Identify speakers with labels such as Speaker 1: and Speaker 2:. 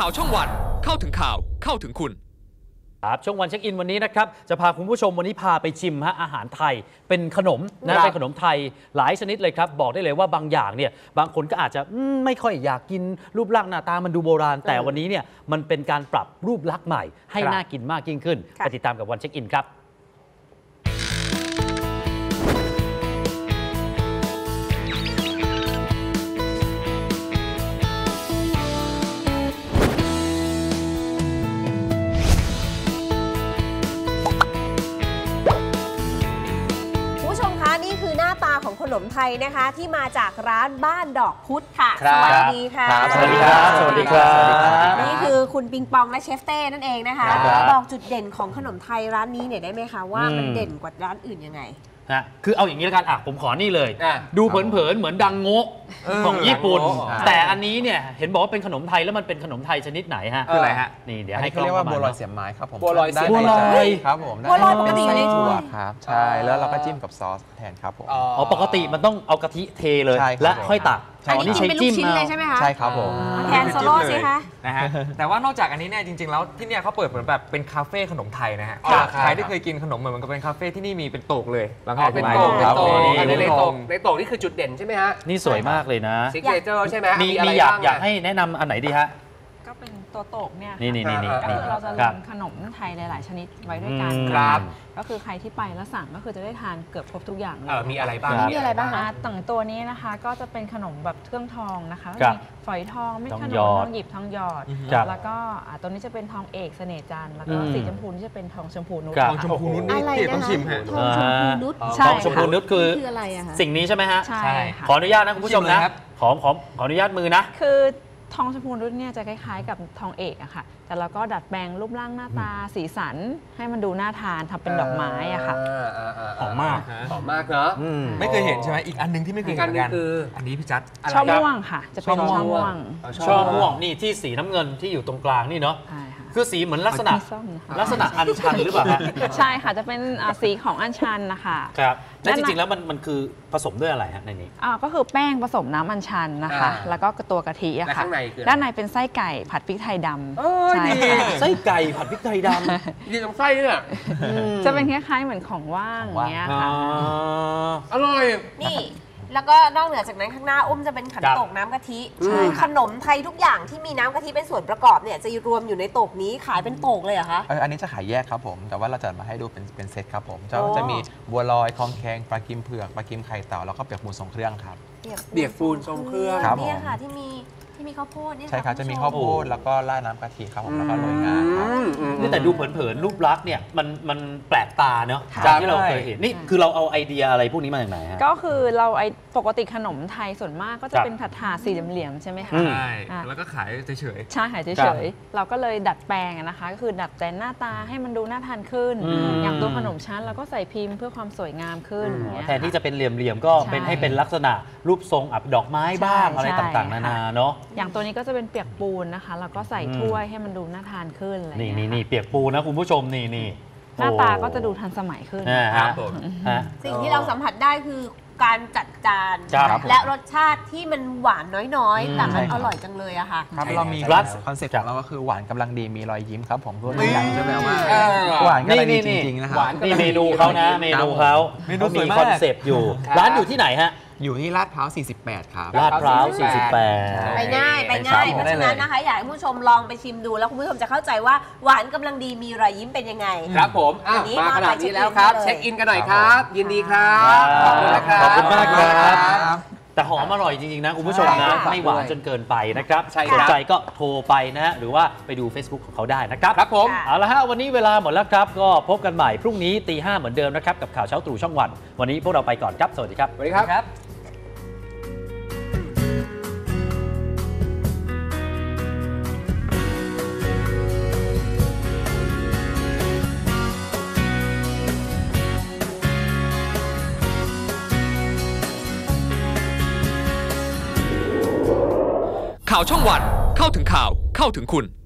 Speaker 1: ข่าวช่องวันเข้าถึงข่าวเข้าถึงคุณ
Speaker 2: ครับช่วงวันเช็คอินวันนี้นะครับจะพาคุณผู้ชมวันนี้พาไปชิมอาหารไทยเป็นขนมนะเป็นขนมไทยหลายชนิดเลยครับบอกได้เลยว่าบางอย่างเนี่ยบางคนก็อาจจะไม่ค่อยอยากกินรูปร่างหน้าตามันดูโบราณแต่วันนี้เนี่ยมันเป็นการปรับรูปลักษณ์ใหม่ให้น่ากินมากยิ่งขึ้นไปติดตามกับวันเช็คอินครับ
Speaker 3: ของขนมไทยนะคะที่มาจากร้านบ้านดอกพุธค่ะสวัสดีค่ะ
Speaker 2: สวัสดีครับสวัสดีครับ
Speaker 3: นี่คือคุณปิงปองและเชฟเต้นั่นเองนะคะบอกจุดเด่นของขนมไทยร้านนี้เนี่ยได้ไหมคะว่ามันเด่นกว่าร้านอื่นยังไง
Speaker 2: คือเอาอย่างนี้แล้วกันผมขอนี่เลยดูเผินๆเหมือนดังโงะของญี่ปุ่นแต่อันนี้เนี่ยเห็นบอกว่าเป็นขนมไทยแล้วมันเป็นขนมไทยชนิดไหนฮะ
Speaker 4: คืออะไรฮะ
Speaker 2: นี่เดี๋ยวให้
Speaker 4: เขาเรียกว่าบัวลอยเสียบไม้ครับผม
Speaker 2: บัวลอยเสียบไม้
Speaker 4: ครับผม
Speaker 3: บัวลอยปกติอยู่ใน
Speaker 4: ถั่วครับใช่แล้วเราก็จิ้มกับซอสแทนครับผม
Speaker 2: อ๋อปกติมันต้องเอากะทิเทเลยและค่อยตัก
Speaker 3: อันนี้กินเป็นลูกชิ้นเลยใช่ไหมคะ
Speaker 4: ใช่ครับผม
Speaker 3: แทนโซโล่สิคะ
Speaker 5: นะฮะแต่ว่านอกจากอันนี้เนี่ยจริงๆแล้วที่เนี่ยเขาเปิดเหมือนแบบเป็นคาเฟ่ขนมไทยนะฮะใครที่เคยกินขนมเหมือนมันก็เป็นคาเฟ่ที่นี่มีเป็นโต๊ะเลย
Speaker 4: เป็นโต๊ะ
Speaker 5: ในโต๊ะ
Speaker 4: นี่คือจุดเด่นใช่ไหมฮะ
Speaker 2: นี่สวยมากเลยนะ
Speaker 4: ซิกเนเจอร์ใช่ไหม
Speaker 2: มีอยากให้แนะนำอันไหนดีฮะ
Speaker 6: ก็เป็นตัวโต๊ะเนี่ย
Speaker 2: นี่
Speaker 6: ก็คือเราจะรวมขนมไทยหลายๆชนิดไว้ด้วยกันก็คือใครที่ไปแล้วสั่งก็คือจะได้ทานเกือบครบทุกอย่างเลย
Speaker 4: มีอะไรบ้าง
Speaker 6: ต่างตัวนี้นะคะก็จะเป็นขนมแบบเครื่องทองนะคะมีฝอยทองไม่ขนมทองหยิบทองหยอดแล้วก็ตัวนี้จะเป็นทองเอกเสน่ห์จันทร์แล้วก็สีชมพูนี่จะเป็นทองชมพูนุช
Speaker 5: ทองชมพูนุชนี่ต้องชิมฮะ
Speaker 3: ทองชมพูนุช
Speaker 2: ทองชมพูนุชคืออะไรอะคะสิ่งนี้ใช่ไหมฮะ
Speaker 6: ใช่
Speaker 2: ขออนุญาตนะคุณผู้ชมนะขออนุญาตมือนะ
Speaker 6: คือทองชมพูนุชเนี่ยจะคล้ายๆกับทองเอกอะค่ะแต่เราก็ดัดแปลงรูปร่างหน้าตาสีสันให้มันดูน่าทานทำเป็นดอกไม้อะค่ะ
Speaker 2: หอมมาก
Speaker 4: เนาะ
Speaker 5: ไม่เคยเห็นใช่ไหมอีกอันนึงที่ไม่เคยเห็นกันคืออันนี้พี่จัด
Speaker 6: ช่อม่วงค่ะจะเป็นช่อม่
Speaker 2: วงนี่ที่สีน้ำเงินที่อยู่ตรงกลางนี่เนาะคือสีเหมือนลักษณะอัญชันหรือเปล่าฮะ
Speaker 6: ใช่ค่ะจะเป็นสีของอัญชันนะคะ
Speaker 2: ครับและจริงๆแล้วมันคือผสมด้วยอะไรฮะในนี้
Speaker 6: ก็คือแป้งผสมน้ำอัญชันนะคะแล้วก็ตัวกะทิอะค่ะด้านในเป็นไส้ไก่ผัดพริกไทยดำ
Speaker 2: ใช่ไส้ไก่ผัดพริกไทยดำ
Speaker 4: ดีตรงไส้เนี่ย
Speaker 6: จะเป็นคล้ายๆเหมือนของว่างอย่างเงี้ยค่ะ
Speaker 4: อร่อย
Speaker 3: นี่แล้วก็นอกเหนือจากนั้นข้างหน้าอุ้มจะเป็นขันโตกน้ำกะทิขนมไทยทุกอย่างที่มีน้ำกะทิเป็นส่วนประกอบเนี่ยจะรวมอยู่ในโตกนี้ขายเป็นโตกเลยเหรอคะ
Speaker 4: อันนี้จะขายแยกครับผมแต่ว่าเราจะมาให้ดูเป็นเซตครับผมจะมีบัวลอยทองแคงปลากิมเผือกปลากิมไข่เต่าแล้วก็เปียกปูนทรงเครื่องครับ
Speaker 3: เปียกปูนทรงเครื่อง
Speaker 4: ครับ
Speaker 3: นี่ค่ะที่มีข้าวโพดนี่
Speaker 4: ใช่ครับจะมีข้าวโพดแล้วก็ราดน้ำกะทิครับผมแล้วก็โรยงาครับ
Speaker 2: นี่แต่ดูเผินๆรูปลักษณ์เนี่ยมันแปลกตาเนาะจากที่เราเคยเห็นนี่คือเราเอาไอเดียอะไรพวกนี้มาจากไหนฮะ
Speaker 6: ก็คือเราปกติขนมไทยส่วนมากก็จะเป็นถาดสี่เหลี่ยมๆใช่ไหมคะ
Speaker 5: ใช่แล้วก็ขายเฉย
Speaker 6: ๆใช่ขายเฉยๆเราก็เลยดัดแปลงนะคะก็คือดัดแต่งหน้าตาให้มันดูน่าทานขึ้นอย่างตัวขนมชั้นเราก็ใส่พิมพ์เพื่อความสวยงามขึ้น
Speaker 2: แทนที่จะเป็นเหลี่ยมๆก็เป็นให้เป็นลักษณะรูปทรงดอกไม้บ้างอะไรต่างๆนานาเนาะ
Speaker 6: อย่างตัวนี้ก็จะเป็นเปียกปูนนะคะแล้วก็ใส่ถ้วยให้มันดูน่าทานขึ้นอะไร
Speaker 2: นี่เปียกปูนนะคุณผู้ชมนี่
Speaker 6: หน้าตาก็จะดูทันสมัยขึ้น
Speaker 3: สิ่งที่เราสัมผัสได้คือการจัดจานและรสชาติที่มันหวานน้อยๆแต่มันอร่อยจังเลยอะค่ะ
Speaker 4: ครับเรามีคอนเซ็ปต์ของเราก็คือหวานกำลังดีมีรอยยิ้มครับผมตัวอย่างจะแบบว่าหวานกำลังดีจริงๆนะครับ
Speaker 2: นี่เมนูเขานะเมนูเขามีคอนเซ็ปต์อยู่ร้านอยู่ที่ไหนฮะ
Speaker 4: อยู่ที่ลาดพร้าว 48 ครับ
Speaker 2: ลาดพร้าว 48
Speaker 3: ไปง่ายเพราะฉะนั้นนะคะอยากให้ผู้ชมลองไปชิมดูแล้วคุณผู้ชมจะเข้าใจว่าหวานกำลังดีมีรอยยิ้มเป็นยังไง
Speaker 4: ครับผมมาขนาดนี้แล้วครับเช็คอินกันหน่อยครับยินดีครับ
Speaker 2: ขอบคุณมากครับแต่หอมอร่อยจริงๆนะคุณผู้ชมนะไม่หวานจนเกินไปนะครับสนใจก็โทรไปนะฮะหรือว่าไปดู Facebook ของเขาได้นะครับ
Speaker 4: ครับผม
Speaker 2: เอาละฮะวันนี้เวลาหมดแล้วครับก็พบกันใหม่พรุ่งนี้ตี 5เหมือนเดิมนะครับกับข่าวเช้าตรู่ช่องวันวันนี้พวกเราไปก่อนครับสวัสดีครับ
Speaker 4: สวัสดีครับ
Speaker 1: ข่าวช่องวันเข้าถึงข่าวเข้าถึงคุณ